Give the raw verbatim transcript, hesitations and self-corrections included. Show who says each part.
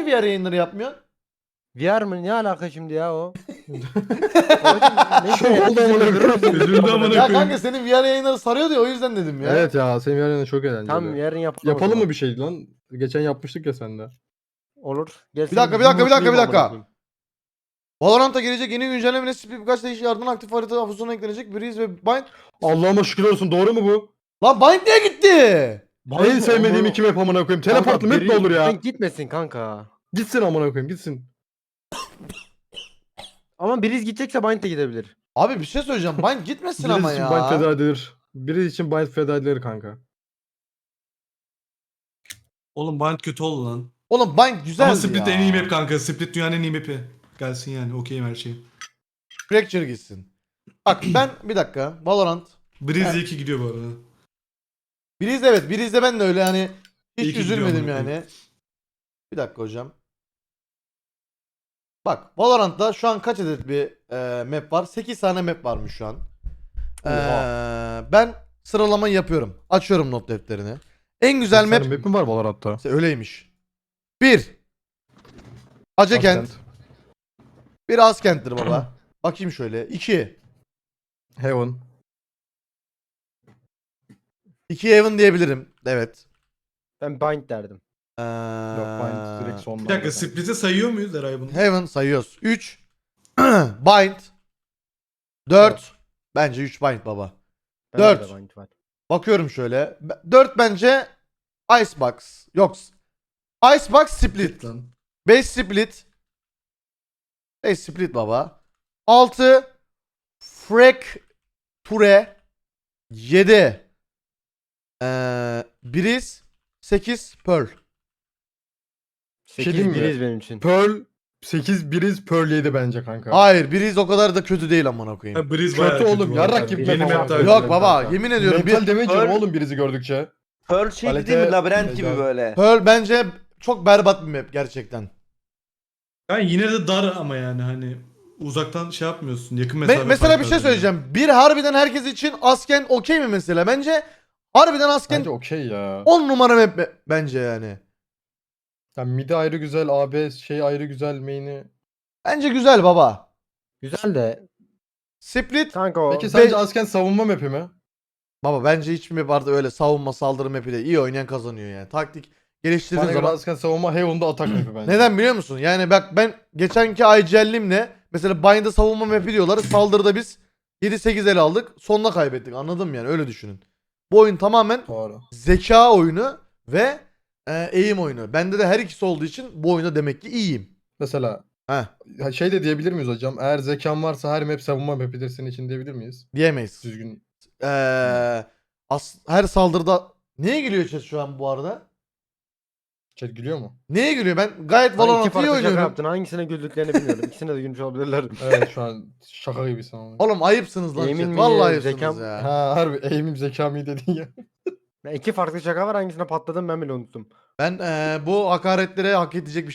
Speaker 1: niye V R yayınları yapmıyorsun?
Speaker 2: V R mı? Ne alaka şimdi ya o?
Speaker 3: Şu oldu amına koyayım.
Speaker 4: Üzüldü amına
Speaker 1: Ya
Speaker 4: koyayım.
Speaker 1: kanka senin V R yayınları sarıyor diye o yüzden dedim ya.
Speaker 3: Evet ya senin yarın çok eğlenceli.
Speaker 2: Tam yarın yapalım.
Speaker 3: Yapalım mı bir şey lan? Geçen yapmıştık ya sende.
Speaker 2: Olur. Gel
Speaker 1: Bir dakika, bir dakika, bir dakika, bir dakika. Valorant'a gelecek yeni güncelleme Split birkaç değişik ardından aktif harita hafızasına eklenecek. Breeze ve Bind.
Speaker 3: Allah'ıma şükür olsun, doğru mu bu?
Speaker 1: Lan Bind niye gitti?
Speaker 3: En sevmediğim iki map amına koyayım. Teleportlu map mi olur ya?
Speaker 2: Gitmesin kanka.
Speaker 3: Gitsin amına koyayım, gitsin.
Speaker 2: Ama biriz gidecekse Bind de gidebilir.
Speaker 1: Abi bir şey söyleyeceğim. Bind gitmesin
Speaker 3: Birisi
Speaker 1: ama
Speaker 3: için
Speaker 1: ya.
Speaker 3: bind feda edilir. Biri için bind feda edilir kanka.
Speaker 4: Oğlum Bind kötü oldu lan.
Speaker 1: Oğlum Bind güzeldi
Speaker 4: Ama Split
Speaker 1: ya.
Speaker 4: en iyi map kanka. Split dünyanın en iyi map'i. Gelsin yani. Okeyim her şey.
Speaker 1: Fracture gitsin. Bak ben bir dakika. Valorant.
Speaker 4: Breeze
Speaker 1: Evet.
Speaker 4: iyi ki gidiyor bu arada.
Speaker 1: Breeze evet. Breeze'de ben de öyle hani
Speaker 4: İyi
Speaker 1: hiç
Speaker 4: ki gidiyor
Speaker 1: üzülmedim
Speaker 4: amına
Speaker 1: yani. Bir dakika hocam. Bak Valorant'ta şu an kaç adet bir e, map var? sekiz tane map varmış şu an. E, ben sıralamayı yapıyorum. Açıyorum not defterini. En güzel map,
Speaker 3: Sen map mi var Valorant'ta?
Speaker 1: İşte öyleymiş. bir. Acekent.
Speaker 3: Askent.
Speaker 1: Bir Askent'tir baba. Bakayım şöyle. iki.
Speaker 3: Heaven.
Speaker 1: iki Heaven diyebilirim. Evet.
Speaker 2: Ben Bind derdim.
Speaker 1: Ee,
Speaker 3: Yok bind direkt sonda.
Speaker 4: Bir dakika Split'i sayıyor muyuz Eray bunu?
Speaker 1: Heaven sayıyoruz. üç. Bind. dört. Bence üç Bind baba.
Speaker 2: Bende
Speaker 1: Dört.
Speaker 2: de Bind var.
Speaker 1: Bakıyorum şöyle. dört bence Icebox. Yok. Icebox Split.
Speaker 4: Lan.
Speaker 1: beş Split. beş Split baba. altı Fracture. yedi ee, Breeze. sekiz Pearl.
Speaker 2: sekiz
Speaker 3: diyeyim mi?
Speaker 2: biriz benim için.
Speaker 3: Pearl sekiz, biriz Pearl yedi bence kanka.
Speaker 1: Hayır Breeze o kadar da kötü değil amına koyayım.
Speaker 4: Ha, Breeze
Speaker 3: Kötü
Speaker 4: bayağı kötü
Speaker 3: oğlum,
Speaker 4: bu arada.
Speaker 3: yarrak gibi
Speaker 4: Yeni
Speaker 3: map
Speaker 4: map
Speaker 3: ama.
Speaker 4: daha
Speaker 3: Yok
Speaker 1: Yok
Speaker 4: güzel
Speaker 1: baba
Speaker 4: kanka.
Speaker 1: yemin ediyorum.
Speaker 3: Mental
Speaker 1: Bir,
Speaker 3: damage yiyorum
Speaker 5: Pearl-
Speaker 3: oğlum birizi gördükçe.
Speaker 5: Pearl şeydi
Speaker 3: Kalite-
Speaker 5: değil mi? Labirent gibi
Speaker 3: Mecaz.
Speaker 5: böyle.
Speaker 1: Pearl bence çok berbat bir map gerçekten.
Speaker 4: Yani yine de dar ama yani hani uzaktan şey yapmıyorsun. Yakın
Speaker 1: Me-
Speaker 4: mesafe
Speaker 1: mesela bir
Speaker 4: farkı
Speaker 1: şey
Speaker 4: var
Speaker 1: söyleyeceğim. Bir harbiden herkes için Asken okey mi mesela? Bence harbiden Asken
Speaker 3: Bence okey ya.
Speaker 1: on numara map be- bence yani.
Speaker 3: Yani midi ayrı güzel, A B şey ayrı güzel, main'i.
Speaker 1: Bence güzel baba.
Speaker 2: Güzel de
Speaker 1: Split
Speaker 2: kanka o.
Speaker 3: Peki sence
Speaker 1: Be-
Speaker 3: Asken savunma map'i mi?
Speaker 1: baba bence hiçbir map vardı öyle savunma saldırı map'i de iyi oynayan kazanıyor yani. Taktik geliştirdiğin
Speaker 3: Bana göre
Speaker 1: zaman.
Speaker 3: Asken savunma, Heaven'da atak map'i bence.
Speaker 1: Neden biliyor musun? Yani bak ben geçenki I G L'imle mesela Bind'de savunma map'i diyorlar. Saldırıda biz yedi sekiz el aldık. Sonuna kaybettik. Anladın mı yani? Öyle düşünün. Bu oyun tamamen
Speaker 3: Doğru.
Speaker 1: zeka oyunu ve e, eğim oyunu. Bende de her ikisi olduğu için bu oyunda demek ki iyiyim.
Speaker 3: Mesela
Speaker 1: Heh,
Speaker 3: ha, şey de diyebilir miyiz hocam? Eğer zekan varsa her map savunma map'idir senin için diyebilir miyiz?
Speaker 1: diyemeyiz.
Speaker 3: Düzgün.
Speaker 1: Ee, as- her saldırıda neye gülüyor chat şu an bu arada?
Speaker 3: Chat gülüyor mu?
Speaker 1: Neye gülüyor? Ben gayet
Speaker 2: Iki
Speaker 1: Valorant iyi
Speaker 2: farklı şaka
Speaker 1: oynuyorum.
Speaker 2: yaptın. Hangisine güldüklerini bilmiyorum. İkisine de gülmüş olabilirler.
Speaker 3: Evet şu an şaka gibisin ama.
Speaker 1: Oğlum ayıpsınız lan
Speaker 2: Yemin
Speaker 1: chat.
Speaker 2: mi
Speaker 1: Vallahi
Speaker 2: ya,
Speaker 1: ayıpsınız
Speaker 2: zekam-
Speaker 1: ya.
Speaker 3: Ha harbi aim'im zekam iyi dedin ya.
Speaker 2: Ya iki farklı şaka var. Hangisine patladım ben bile unuttum.
Speaker 1: Ben ee, bu hakaretlere hak edecek bir